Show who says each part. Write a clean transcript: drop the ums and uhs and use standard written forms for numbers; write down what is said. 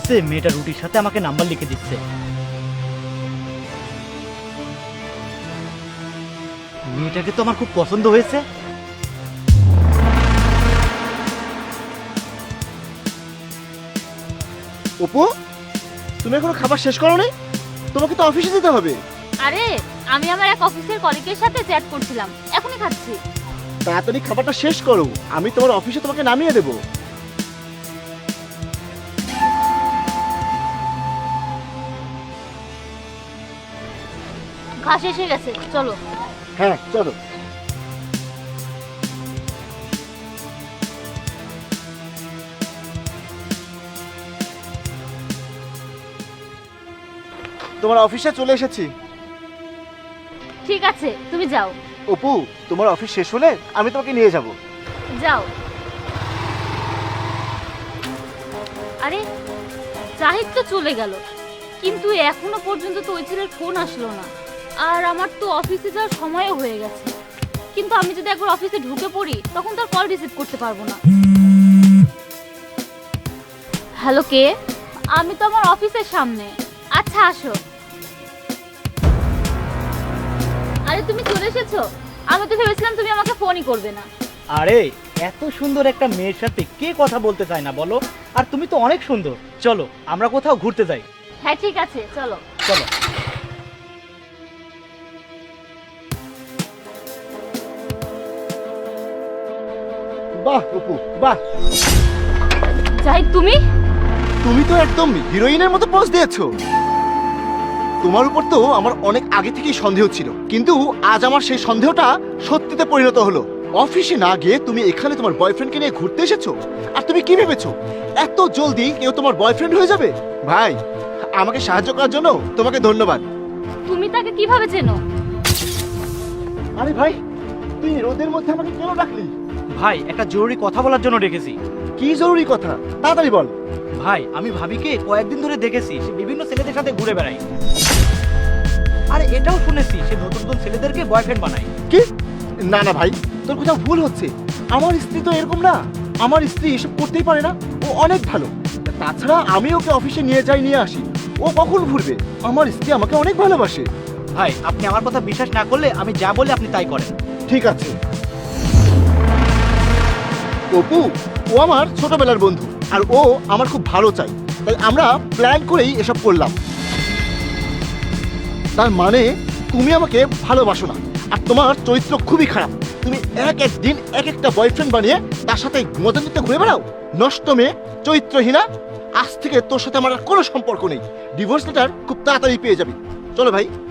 Speaker 1: আসতে মেয়েটা রুটির সাথে আমাকে নাম্বার লিখে দিচ্ছে। মেয়েটাকে তো আমার খুব পছন্দ হয়েছে।
Speaker 2: অপু, তুমি এখনো খাবার শেষ করো নি? তোমাকে তো অফিসে যেতে হবে।
Speaker 3: আরে আমি আমার এক অফিসের কলিগের সাথে চ্যাট করছিলাম, এখনই খাচ্ছি।
Speaker 2: তাড়াতাড়ি খাবারটা শেষ করো, আমি তোমার অফিসে তোমাকে নামিয়ে দেবো।
Speaker 3: ঘাস এসে গেছে, চলো।
Speaker 2: হ্যাঁ চলো। তোমার অফিসে চলে এসেছি।
Speaker 3: ঠিক আছে, তুমি যাও।
Speaker 2: অপু, তোমার অফিস শেষ হলে আমি তোমাকে নিয়ে যাব।
Speaker 3: যাও। আরে জাহিদ তো চলে গেল, কিন্তু এখনো পর্যন্ত তো ওই ছেলের ফোন আসলো না। আর আমার তো অফিসে যাওয়ার সময়ও হয়ে গেছে, কিন্তু আমি যদি একবার অফিসে ঢুকে পড়ি তখন তো আর কল রিসিভ করতে পারবো না। হ্যালো, কে? আমি তো আমার অফিসের সামনে। আচ্ছা আসো। আরে তুমি চলে এসেছো? আমি তো ভেবেছিলাম তুমি আমাকে ফোনই করবে না।
Speaker 1: আরে এত সুন্দর একটা মেয়ের সাথে কে কথা বলতে চায় না বলো? আর তুমি তো অনেক সুন্দর, চলো আমরা কোথাও ঘুরতে যাই।
Speaker 3: হ্যাঁ ঠিক আছে, চলো।
Speaker 1: চলো।
Speaker 2: বাহ অপু বাহ,
Speaker 3: জাহিদ তুমি?
Speaker 2: তুমি তো একদম হিরোইনের মতো পোজ দিয়েছো। তোমার উপর তো আমার অনেক আগে থেকেই সন্দেহ ছিল, কিন্তু আজ আমার সেই সন্দেহটা সত্যিতে পরিণত হলো। অফিসে না গিয়ে তুমি এখানে তোমার বয়ফ্রেন্ডকে নিয়ে ঘুরতে এসেছো, আর তুমি কি ভেবেছো এত জলদি কেউ তোমার বয়ফ্রেন্ড হয়ে যাবে? ভাই, আমাকে সাহায্য করার জন্য তোমাকে ধন্যবাদ।
Speaker 3: তুমি তাকে কিভাবে চেনো?
Speaker 2: আরে ভাই, তুই রোদের মধ্যে আমাকে কেন ডাকলি?
Speaker 1: ভাই, একটা জরুরি কথা বলার জন্য ডেকেছি।
Speaker 2: কি জরুরি কথা, তাড়াতাড়ি বল।
Speaker 1: ভাই, আমি ভাবিকে কয়েকদিন ধরে দেখেছি সে বিভিন্ন ছেলেদের সাথে ঘুরে বেড়ায়। আরে এটাও শুনেছি সে নতুন নতুন ছেলেদেরকে বয়ফ্রেন্ড বানায়।
Speaker 2: কি? না না ভাই, তোর কোথাও ভুল হচ্ছে। আমার স্ত্রী তো এরকম না, আমার স্ত্রী এসব করতেই পারে না, ও অনেক ভালো। তাছাড়া আমি ওকে অফিসে নিয়ে যাই নিয়ে আসি, ও কখন ভুলবে? আমার স্ত্রী আমাকে অনেক ভালোবাসে।
Speaker 1: ভাই, আপনি আমার কথা বিশ্বাস না করলে আমি যা বলি আপনি তাই করেন।
Speaker 2: ঠিক আছে। অপু, ও আমার ছোটবেলার বন্ধু, আর ও আমার খুব ভালো চাই, তাই আমরা প্ল্যান করেই এসব করলাম। তার মানে তুমি আমাকে ভালোবাসো না, আর তোমার চরিত্র খুবই খারাপ। তুমি এক এক দিন এক একটা বয়ফ্রেন্ড বানিয়ে তার সাথে মজা নিতে ঘুরে বেড়াও। নষ্ট মেয়ে, চরিত্রহীনা। আজ থেকে তোর সাথে আমার আর কোনো সম্পর্ক নেই। ডিভোর্স লেটার খুব তাড়াতাড়ি পেয়ে যাবি। চলো ভাই।